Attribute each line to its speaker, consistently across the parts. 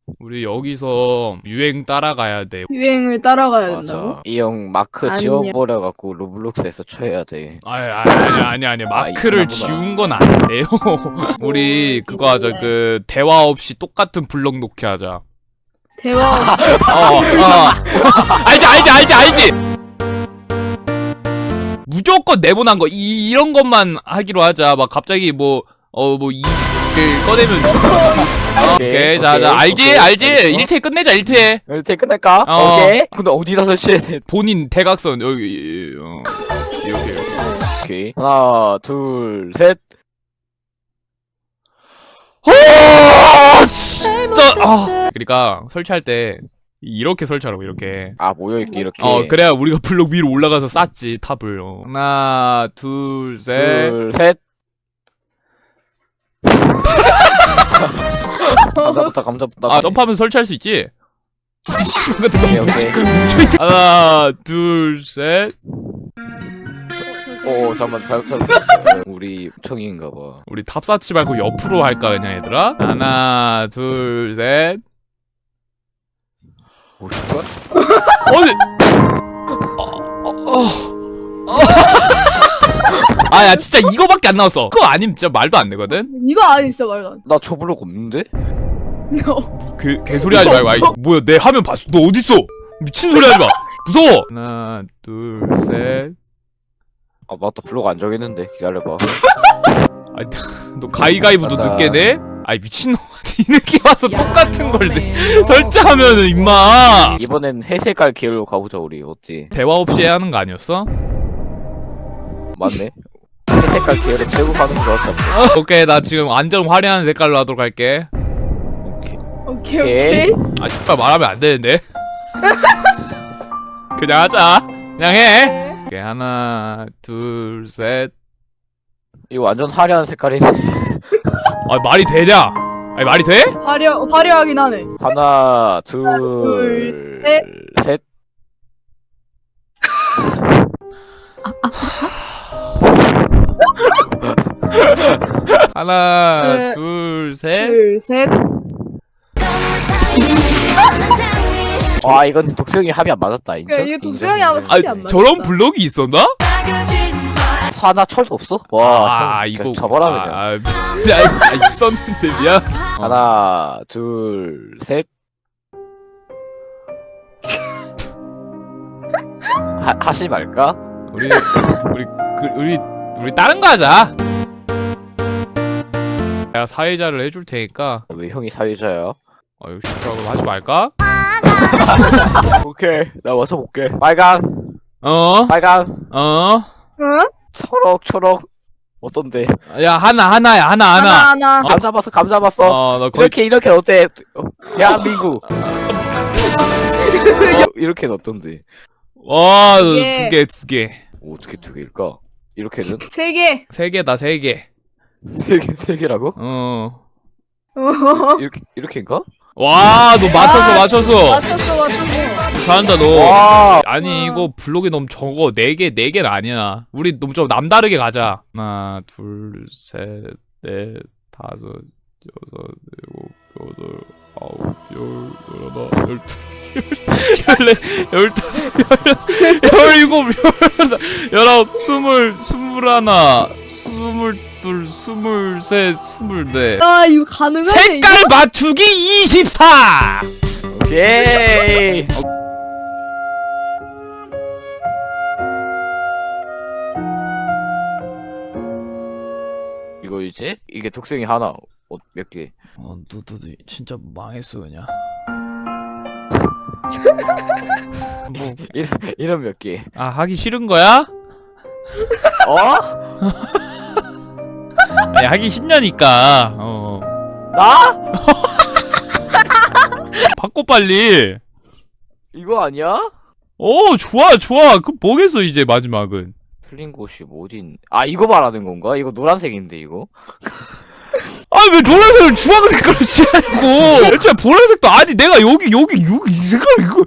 Speaker 1: 우리 여기서 유행 따라가야 돼.
Speaker 2: 유행을 따라가야 된다고?
Speaker 3: 맞아. 이 형 마크
Speaker 2: 아니야.
Speaker 3: 지워버려갖고 로블록스에서 쳐야 돼.
Speaker 1: 아니 마크를
Speaker 3: 있나보다.
Speaker 1: 지운 건 아닌데요. 우리 그거 하자. 그 대화 없이 똑같은 블럭 놓기 하자.
Speaker 2: 대화
Speaker 1: 알지. 무조건 네모난 거 이런 것만 하기로 하자. 막 갑자기 뭐 이를 꺼내면 오케이. 자 알지. 1태 끝내자. 1태
Speaker 3: 이제 끝낼까? 오케이. 근데 어디다 설치해야 돼?
Speaker 1: 본인 대각선 여기 이렇게.
Speaker 3: 오케이. 하나, 둘, 셋.
Speaker 1: 진짜 그러니까 설치할 때 이렇게 설치하라고. 이렇게.
Speaker 3: 아, 모여있게 이렇게.
Speaker 1: 그래야 우리가 블록 위로 올라가서 쌌지 탑을. 하나 둘 셋.
Speaker 3: 둘, 셋. 감자부터.
Speaker 1: 점프하면 설치할 수 있지?
Speaker 3: 오케이, 오케이.
Speaker 1: 하나 둘 셋.
Speaker 3: 잠깐만, 우리 청인가봐.
Speaker 1: 우리 탑 쌓지 말고 옆으로 할까 그냥 얘들아? 하나 둘 셋.
Speaker 3: 뭐야?
Speaker 1: 어디? 야 진짜 이거밖에 안 나왔어. 그거 아니면 진짜 말도 안 되거든?
Speaker 2: 이거 아니 진짜 말도 안
Speaker 3: 나 저 블록 없는데?
Speaker 2: 돼.
Speaker 1: 개소리 하지 말고. 아이, 뭐야 내 화면 봤어. 너 어딨어? 미친 소리 하지 마. 무서워. 하나 둘 셋.
Speaker 3: 아, 맞다. 블록 안 정했는데. 기다려봐.
Speaker 1: 아니 너 가위가위부터
Speaker 3: 맞아.
Speaker 1: 늦게 내? 아이 미친놈아. 뒤늦게 와서 똑같은 걸 설치하면은 임마.
Speaker 3: 이번엔 회색깔 계열로 가보자, 우리. 어찌?
Speaker 1: 대화 없이 해야 하는 거 아니었어?
Speaker 3: 맞네. 회색깔 계열에 최고 가는 거 같아.
Speaker 1: 오케이 나 지금 완전 화려한 색깔로 하도록 할게.
Speaker 3: 오케이.
Speaker 2: 오케이.
Speaker 1: 아 진짜 말하면 안 되는데. 그냥 하자. 그냥 해. 오케이 하나 둘 셋.
Speaker 3: 이거 완전 화려한 색깔이네.
Speaker 1: 아 말이 되냐? 아니 말이 돼?
Speaker 2: 화려하긴 하네.
Speaker 3: 하나,
Speaker 2: 둘,
Speaker 3: 셋.
Speaker 1: 하나 둘 셋.
Speaker 2: 둘, 셋.
Speaker 3: 와, 이건 독수형이 합이 안 맞았다. 인정?
Speaker 2: 이게 독수형이
Speaker 3: 인정,
Speaker 2: 합이
Speaker 3: 인정.
Speaker 2: 안 맞았다.
Speaker 1: 저런 블럭이 있었나?
Speaker 3: 사나 철도 없어? 와, 형,
Speaker 1: 이거
Speaker 3: 접어라 그냥.
Speaker 1: 있었는데 미안.
Speaker 3: 하나, 둘, 셋. 하시 말까?
Speaker 1: 우리 다른 거 하자. 내가 사회자를 해줄 테니까.
Speaker 3: 왜 형이 사회자야?
Speaker 1: 이거 싫다고 하지 말까?
Speaker 3: 오케이, 나 와서 볼게. 빨강,
Speaker 2: 응?
Speaker 3: 초록. 어떤데?
Speaker 1: 야 하나야.
Speaker 2: 하나.
Speaker 3: 감 잡았어.
Speaker 1: 나 거의
Speaker 3: 이렇게 어때? 대한민국. 이렇게는 어떤데?
Speaker 1: 와,
Speaker 2: 예.
Speaker 1: 두 개.
Speaker 3: 어떻게 두 개일까? 이렇게는?
Speaker 2: 세 개.
Speaker 1: 3개다, 3개.
Speaker 3: 세 개라고? 이렇게인가?
Speaker 1: 와, 너 맞췄어.
Speaker 2: 맞췄어.
Speaker 1: 잘한다, 너.
Speaker 3: 와,
Speaker 1: 아니, 이거 블록이 너무 적어. 4개는 아니야. 우리 너무 좀 남다르게 가자. 하나, 둘, 셋, 넷, 다섯, 여섯, 일곱, 여덟, 아홉, 열, 열하나, 열둘, 열다섯, 열일곱, 열여섯, 열아홉, 스물하나, 스물둘, 스물셋, 스물넷.
Speaker 2: 야, 이거 가능하네.
Speaker 1: 색깔 맞추기 24!
Speaker 3: 오케이. 이거 이제 이게 독생이 하나 몇 개?
Speaker 1: 너 진짜 망했어 그냥. 뭐,
Speaker 3: 이런 몇 개?
Speaker 1: 하기 싫은 거야?
Speaker 3: 어?
Speaker 1: 아니 하기 싫냐니까.
Speaker 3: 나?
Speaker 1: 바꿔 빨리.
Speaker 3: 이거 아니야?
Speaker 1: 좋아. 그럼 뭐겠어 이제 마지막은.
Speaker 3: 틀린 곳이 어딘? 아, 이거 말하는 건가? 이거 노란색인데 이거?
Speaker 1: 왜 노란색을 주황 색깔로 칠하냐고. 애초에 보라색도 아니 내가 여기 이 색깔 이거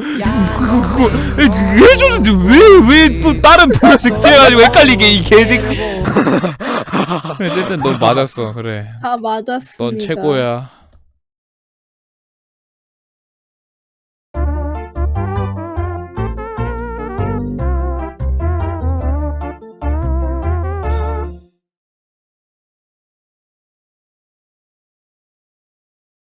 Speaker 1: 해줬는데 왜 또 다른 보라색 칠해가지고 헷갈리게 이 개새끼. 어쨌든 넌 맞았어. 그래.
Speaker 2: 다 맞았습니다.
Speaker 1: 넌 최고야.